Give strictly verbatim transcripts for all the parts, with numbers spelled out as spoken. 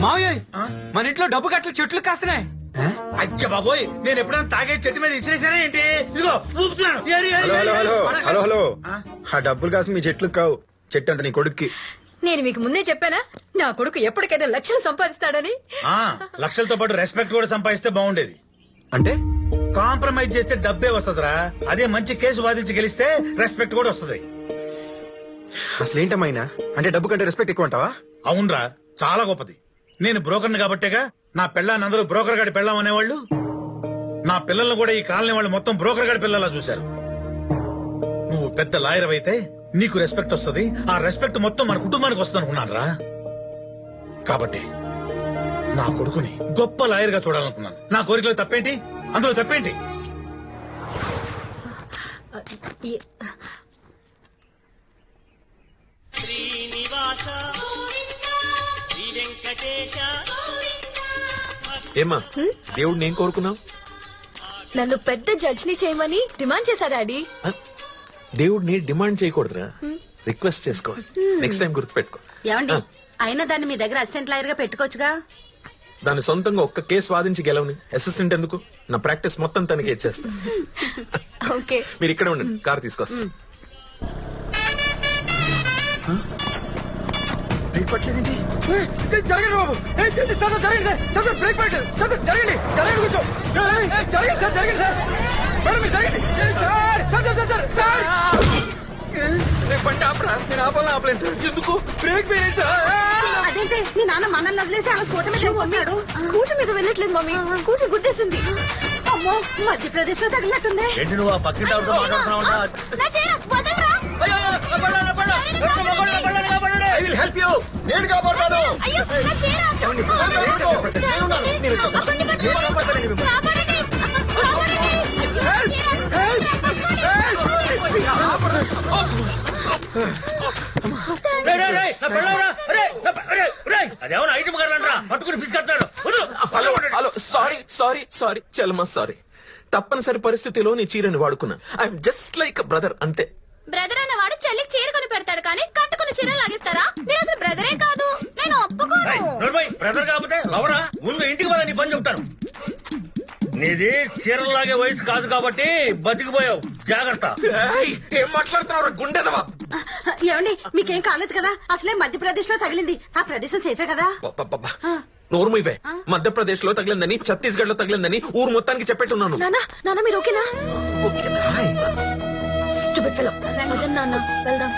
మావయ్య మన ఇంట్లో డబ్బు కట్టలు చెట్లు కాస్తున్నాయి. అచ్చ బాబోయ్, నేను ఎప్పుడైనా తాగే చెట్టు మీద ఇసిరేసానా ఏంటి? ఇదిగో ఊపుతున్నాను. ఏరి, ఏరి, హలో ఏరి, హలో ఏరి. హలో హలో హలో ఆ డబ్బులు కాసు మీ చెట్లు కావు, చెట్టు అంత నీ కొడుక్కి. నేను మీకు ముందే చెప్పానా నా కొడుకు ఎప్పటికైనా లక్షలు సంపాదిస్తాడని. ఆ, లక్షలతో పాటు రెస్పెక్ట్ కూడా సంపాదిస్తే బాగుండేది. అంటే కాంప్రమైజ్ చేస్తే డబ్బే వస్తుందిరా. అదే మంచి కేసు వాదించి గెలిస్తే రెస్పెక్ట్ కూడా వస్తుంది. అసలు ఏంటమ్మాయినా అంటే డబ్బు కంటే రెస్పెక్ట్ ఎక్కువ అంటావా? అవునరా, చాలా గొప్పది. నేను బ్రోకర్ని కాబట్టేగా నా పెళ్ళాన్ని అందరూ బ్రోకర్ గాడి పెళ్ళాం అనేవాళ్ళు. నా పిల్లల్ని కూడా ఈ కాలనీ వాళ్ళు మొత్తం బ్రోకర్ గాడి పిల్లలా చూశారు. నువ్వు పెద్ద లాయర్ అయితే నీకు రెస్పెక్ట్ వస్తుంది. ఆ రెస్పెక్ట్ మొత్తం మన కుటుంబానికి వస్తుంది అనుకున్నాను రా. కాబట్టి నా కొడుకుని గొప్ప లాయర్ గా చూడాలనుకున్నాను. నా కోరికలో తప్పేంటి? అందులో తప్పేంటి? ఏమా దేవుడు ఏం కోరుకున్నావు? నన్ను పెద్ద జడ్జిని చేయమని డిమాండ్ చేశారు డాడీ. దేవుడిని డిమాండ్ చేయకూడదురా, రిక్వెస్ట్ చేసుకో. నెక్స్ట్ టైం గుర్తుపెట్టుకో. ఏమండి, అయినా దాన్ని మీ దగ్గర అసిస్టెంట్ లాయర్ గా పెట్టుకోవచ్చుగా. దాని సొంతంగా ఒక్క కేసు వాదించి గెలవని అసిస్టెంట్ ఎందుకు? నా ప్రాక్టీస్ మొత్తం తనకి ఇచ్చేస్తా. ఓకే, మీరు ఇక్కడ ఉండండి, కార్ తీసుకొస్తా. బ్రేక్ పట్టలేదేంటి? జరగండి బాబు, జరగండి సార్, బ్రేక్ పట్టలేదు సార్, జరగండి జరగండి కూర్చో, జరగండి సార్, జరగండి సార్, మేడం మీరు జరగండి sir, sir sir sir sir బండి ఆపరా. నేను ఆపాలని ఆపలేను సార్. ఎందుకు? బ్రేక్ వేయండి సార్. అదేంటే మీ నాన్న మనల్ని వదిలేసి అలా స్కూటర్ మీద పంపాడు. స్కూటర్ మీద వెళ్ళట్లేదు మమ్మీ, స్కూటర్ గుద్దేసింది. అమ్మో, మధ్యప్రదేశ్ లో తగిలినట్టుంది. ఏంటి నువ్వు ఆ పక్కింటి ఆవిడతో మాట్లాడుతున్నావు? I will help you. నేను కాపాడుతాను. అదేమన్నా ఐటమ్ గారు పట్టుకుని పిసుకెళ్తాడు. హలో, సారీ సారీ సారీ చలమా, సారీ. తప్పనిసరి పరిస్థితిలో నీ చీరని వాడుకున్నా. ఐఎమ్ జస్ట్ లైక్ బ్రదర్ అంతే. బ్రదర్ అన్నవాడు చెల్లికి చీర కొని పెడతాడు కానీ కట్టుకుని చీర లాగిస్తారా? మీరు అసలు బ్రదరే కాదు, నేను ఒప్పుకోను. బ్రదర్ కాకపోతే లవరా? ముందు ఇంటికి పోదా నీ పని చెప్తాను. నీది చీరలాగే వయసు కాదు కాబట్టి బతికిపోయావు, జాగ్రత్త. ఏం మాట్లాడుతున్నావు గుండెదవా? ఏమండి, మీకేం కాలేదు కదా? అసలే మధ్యప్రదేశ్ లో తగిలింది. ఆ ప్రదేశం సేఫే కదా? నోరు మూయవే. మధ్యప్రదేశ్ లో తగిలిందని, ఛత్తీస్గఢ్ లో తగిలిందని ఊరు మొత్తానికి చెప్పేట్టున్నాను. నానా నాన్న మీరు ఓకేనా? నాన్న వెళ్దాం.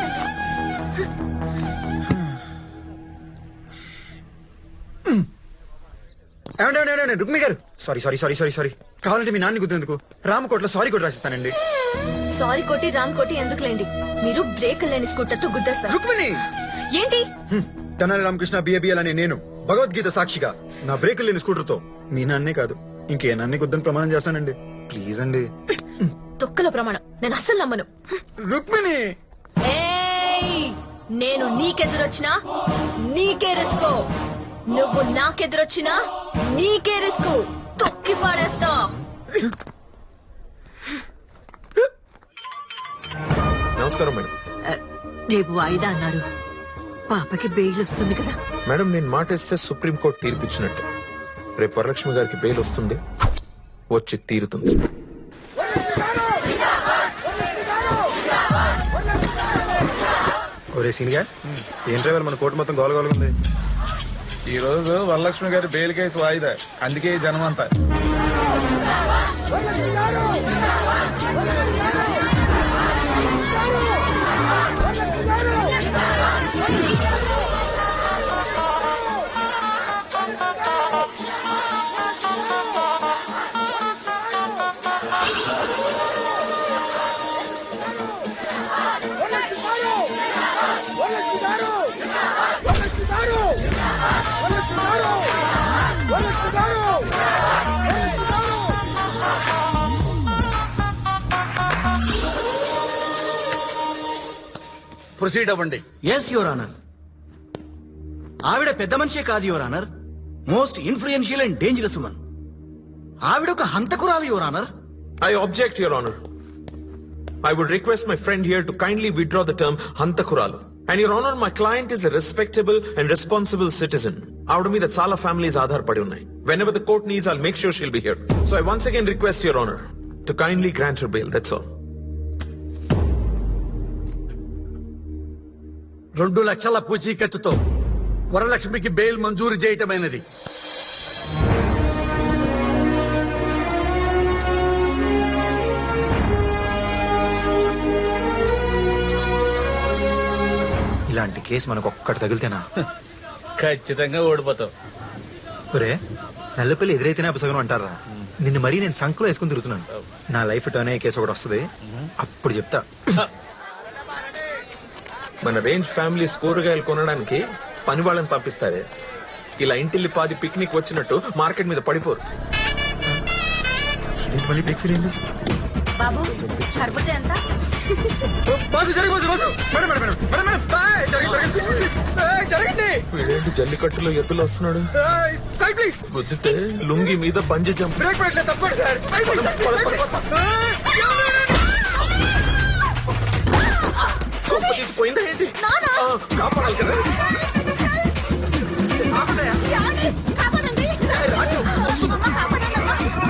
ఏమండి Rukmi garu, sorry sorry sorry sorry sorry కావాలంటే మీ నాన్న గుర్తెందుకు రామకోట్లో సారీ కొట్టి రాసిస్తానండి. సారీ కోటి రామ్ కోటి ఎందుకులేండి, మీరు బ్రేక్ లేని స్కూటర్ తో గుద్దేస్తారు. రుక్మిణి ఏంటి? తెనాలి రామకృష్ణ బిఏబిఎల్ అనే నేను భగవద్గీత సాక్షిగా నా బ్రేక్ లేని స్కూటర్ తో మీ నాన్నే కాదు ఇంకే నాన్నే గుద్దని ప్రమాణం చేస్తానండి. ప్లీజ్ అండి. తొక్కల ప్రమాణం నేను అస్సలు నమ్మను. రుక్మిణి, ఏయ్, నేను నీకెదురొచ్చినా నీకే రిస్క్, నువ్వు నాకెదురొచ్చినా నీకే రిస్క్. తొక్కి పాడేస్తా. నమస్కారం మేడం. రేపు వాయిదా అన్నారు. పాపకి బెయిల్ వస్తుంది కదా మేడం, నేను మాట ఇస్తే సుప్రీంకోర్టు తీర్పిచ్చినట్టు. రేపు వరలక్ష్మి గారికి బెయిల్ వస్తుంది, వచ్చి తీరుతుంది. ఒరే సీనిగా ఏం డ్రైవర్ మన కోర్టు మొత్తం గోలగోలుగా ఉంది. ఈ రోజు వరలక్ష్మి గారి బెయిల్ కేసు వాయిదా, అందుకే ఈ జనం అంతా. ప్రొసీడ్ అవ్వండి. Yes your honour. ఆవిడ పెద్ద మనిషే కాదు your honour, most influential and dangerous woman. ఆవిడ ఒక హంతకురాలు your honour. I object, Your Honor. I would request my friend here to kindly withdraw the term Hantakuralu. And Your Honor, my client is a respectable and responsible citizen. ఆవిడ మీద చాలా families ఆధారపడి ఉన్నాయి. Whenever the court needs I'll make sure she'll be here. So I once again request your honour to kindly grant her bail. That's all. రెండు లక్షల పూచీకత్తుతో వరలక్ష్మికి bail మంజూరు చేయటమైనది. ఇలాంటి కేసు మనకు ఒక్కటి తగిలితేనా ఖచ్చితంగా ఓడిపోతావు. ఒరే నల్లపల్లి ఎదురైతేనే అపసగనం అంటారా? నిన్ను మరీ నేను సంకలో వేసుకుని తిరుగుతున్నాను. నా లైఫ్ టర్న్ అయ్యే కేసు ఒకటి వస్తుంది, అప్పుడు చెప్తా. మన రేంజ్ ఫ్యామిలీస్ కూరగాయలు కొనడానికి పని వాళ్ళని పంపిస్తారే, ఇలా ఇంటిల్లి పాది పిక్నిక్ వచ్చినట్టు మార్కెట్ మీద పడిపోరు. మళ్ళీ బ్రేక్ ఫీల్ అయింది. బాబు సరిపోతే ఎంత? బాసు జరిగి boss boss madam madam madam madam madam ఏయ్, జరిగింది జరిగింది ఏయ్, జరిగింది. వీడేంటి జల్లికట్టులో ఎద్దులు వస్తున్నాడు? ఏయ్, సైడ్ ప్లీజ్. గుద్దితే లుంగి మీద బంజి జంప్. బ్రేక్ పెట్టలేదు తప్పండి sir. Side please, side please, side please. ఏయ్, కొంప తీసిపోయిందా ఏంటి? ఆ, కాపాడాలి కదా. ఆపండయ్యా. కాపాడండి. ఏయ్, రాజు, వస్తున్నా. అమ్మ, కాపాడండి, అమ్మ.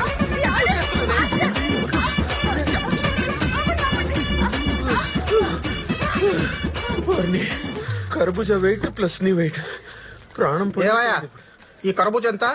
వారిని కర్బూజా వెయిట్ ప్లస్ నీ వెయిట్ ప్రాణం ఏవయ్యా ఈ కరబూజ ఎంత?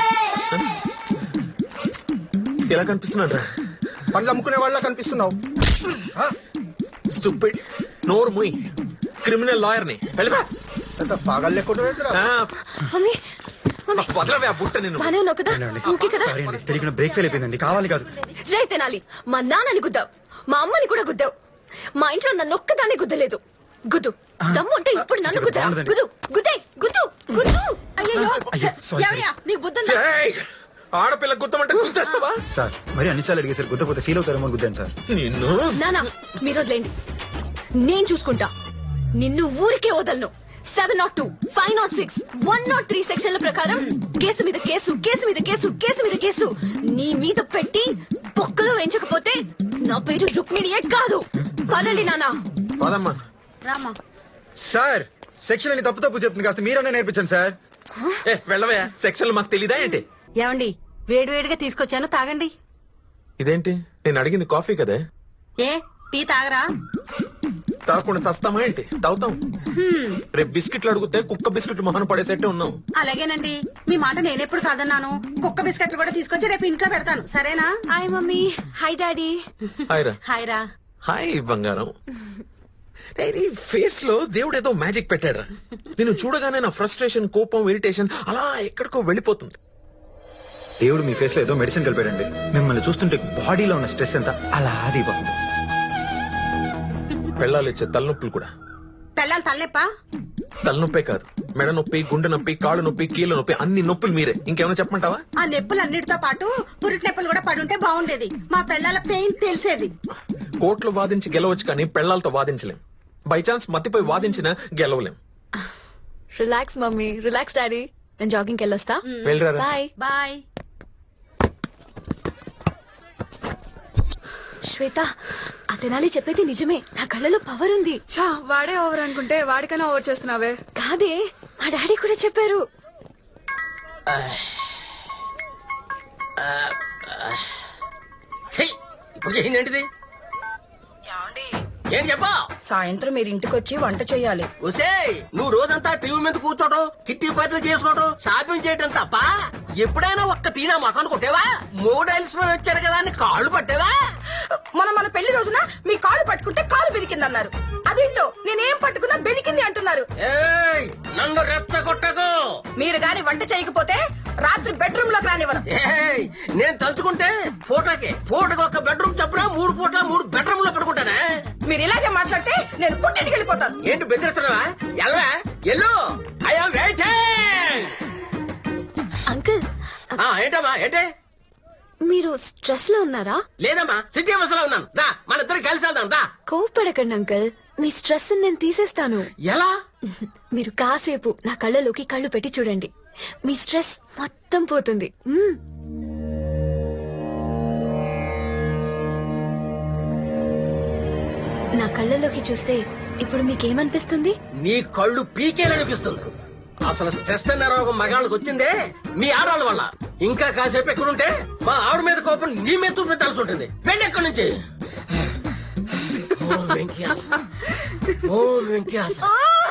ఎలా కనిపిస్తున్నాడు రా? పండ్లు అమ్ముకునే వాళ్ళ కనిపిస్తున్నావు. స్టూపిడ్. నోరు ముయ్. క్రిమినల్ లాయర్ ని వెళ్ళిపా. ఎంత పాగల్ లేకుండా మమ్మీ మమ్మీ వదలవే ఆ బుట్ట నిన్ను. బానే ఉన్నావు కదా? ఓకే కదా? సారీ అండి, తెలియకుండా బ్రేక్ ఫెయిల్ అయిపోయిందండి. కావాలి కాదు. జై తెనాలి. మా నాన్నని గుద్దావు, మా అమ్మని కూడా గుద్దావు. మా ఇంట్లో నన్ను ఒక్కదాన్ని గుద్దలేదు. గుద్దు దమ్ము అంటే ఇప్పుడు నన్ను గుద్దా. గుద్దు గుద్దే గుద్దు గుద్దు. అయ్యో అయ్యో, sorry, ఏమయ్యా, నీకు బుద్ధుందా? ఏయ్, ఆడపిల్ల గుద్దమంటే గుద్దేస్తావా? సార్ మరి అన్నిసార్లు అడిగేసారు, గుద్దపోతే ఫీల్ అవుతారేమో అని గుద్దాను సార్. నిన్ను నానా మీరు వదిలేండి, నేను చూసుకుంటా. నిన్ను ఊరికే వదలను. Seven naught two five naught six one naught three సెక్షన్ల ప్రకారం కేసు మీద కేసు కేసు మీద కేసు కేసు మీద కేసు నీ మీద పెట్టి బొక్కలు వేయించకపోతే నా పేరు రుక్మిణియే కాదు. పదండి నానా. పదమ్మా. రామా. సార్ సెక్షన్ అని తప్పు తప్పు చెప్తుంది, కాస్త మీరన్నా నేర్పించండి సార్. ఏ వెళ్ళవయ్యా, సెక్షన్లు మాకు తెలీదా ఏంటి? ఏమండి వేడివేడిగా తీసుకొచ్చాను, తాగండి. ఇదేంటి, నేను అడిగింది కాఫీ కదే. ఏ టీ తాగరా? తాగకుండా చస్తామా ఏంటి? తాగుతాం. రేపు బిస్కెట్లు అడిగితే కుక్క బిస్కెట్ మొహన పడేసేట్టే ఉన్నాం. అలాగేనండి, మీ మాట నేనెప్పుడు కాదన్నాను. కుక్క బిస్కెట్లు కూడా తీసుకొచ్చి రేపు ఇంట్లో పెడతాను, సరేనా? Hi mummy. Hi daddy. Hi రా. హాయ్ రా. హాయ్ బంగారం. ఫేస్ లో దేవుడు ఏదో మ్యాజిక్ పెట్టాడు. నేను చూడగానే నా ఫ్రస్ట్రేషన్, కోపం, ఇరిటేషన్ అలా ఎక్కడికో వెళ్ళిపోతుంది. దేవుడు మీ ఫేస్ లో ఏదో మెడిసిన్ కలిపాడండి. మిమ్మల్ని చూస్తుంటే బాడీలో ఉన్న స్ట్రెస్ ఎంత అలా దిగిపోతుంది. పెళ్ళాలు ఇచ్చే తలనొప్పులు కూడా. పెళ్ళాలి తల్లెప్పా? తలనొప్పే కాదు, మెడ నొప్పి, గుండె నొప్పి, కాళ్ళు నొప్పి, కీళ్ళ నొప్పి, అన్ని నొప్పులు మీరే. ఇంకేమైనా చెప్పమంటావా? ఆ నొప్పులన్నిటితో పాటు పురిటి నొప్పులు కూడా పడుంటే బాగుండేది. మా పెళ్ళాల పెయిన్ తెలిసేది. కోర్టులో వాదించి గెలవచ్చు కానీ పెళ్లాలతో వాదించలేం. బై ఛాన్స్ మత్తిపోయి వాదించినా గెలవలేం. Relax mummy, relax daddy. నేను జాగింగ్కి వెళ్ళొస్తా. వెళ్ళరా. Bye bye. శ్వేత, ఆ తెనాలి చెప్పేది నిజమే. నా కళ్ళలో పవర్ ఉంది. ఛా, వాడే ఓవర్ అనుకుంటే వాడికైనా ఓవర్ చేస్తున్నావే. కాదే, మా డాడీ కూడా చెప్పారు. ఇప్పుడు ఏంటంటిది? ఏం చెప్పా? సాయంత్రం మీరు ఇంటికి వచ్చి వంట చేయాలి. ఒసేయ్, నువ్వు రోజంతా టీవీ మీద కూర్చోటం, కిట్టి పాటలు చేసుకోవటం, షాపింగ్ చేయటం తప్ప ఎప్పుడైనా ఒక్క టీనా మొఖాన్ని కొట్టేవా? మూడు అలిసిపోయి వచ్చాడు కదా అని కాళ్ళు పట్టేవా? మనం మన పెళ్లి రోజున మీ కాళ్ళు పట్టుకుంటే కాలు బెనికిందన్నారు. అదేంటో నేనేం పట్టుకున్నా బెనికింది అంటున్నారు. ఏయ్, నన్ను రెచ్చగొట్టకు. మీరు గాని వంట చేయకపోతే రాత్రి బెడ్రూమ్ లోకి రానివ్వను. ఏయ్, నేను తలుచుకుంటే ఫోటోకి ఫోటోకి ఒక బెడ్రూమ్ చెప్పరా మూడు పూట మూడు బెడ్రూమ్ లో పడుకుంటానే. మీరు ఇలాగే మాట్లాడితే నేను పుట్టింటికి వెళ్ళిపోతాను. ఏంటి బెదిరిస్తున్నావా? ఎల్వా ఎల్లు. I'm waiting. అంకుల్, ఏంటమ్మా? ఏంటి? మీరు స్ట్రెస్ లో ఉన్నారా? లేదమ్మా, సిటీ బస్ లో ఉన్నాను. దా, మన ఇద్దరు కలిసి వెళ్దాం. దా. కోప్పడకండి అంకుల్, మీ స్ట్రెస్ నేను తీసేస్తాను. ఎలా? మీరు కాసేపు నా కళ్ళలోకి కళ్ళు పెట్టి చూడండి, మీ స్ట్రెస్ మొత్తం పోతుంది. మ్మ్. నా కళ్ళలోకి చూస్తే ఇప్పుడు మీకేమనిపిస్తుంది? నీ కళ్ళు పీకేలనిపిస్తుంది. అసలు స్ట్రెస్ అనే రోగం మగాళ్ళకి వచ్చిందే మీ ఆడవాళ్ళ వల్ల. ఇంకా కాసేపు ఎక్కడుంటే మా ఆవిడ మీద కోపం నీ మీద చూపించాల్సి ఉంటుంది. వెళ్ళి ఎక్కడి నుంచి. ఓం వెంకయాస ఓం వెంకయాస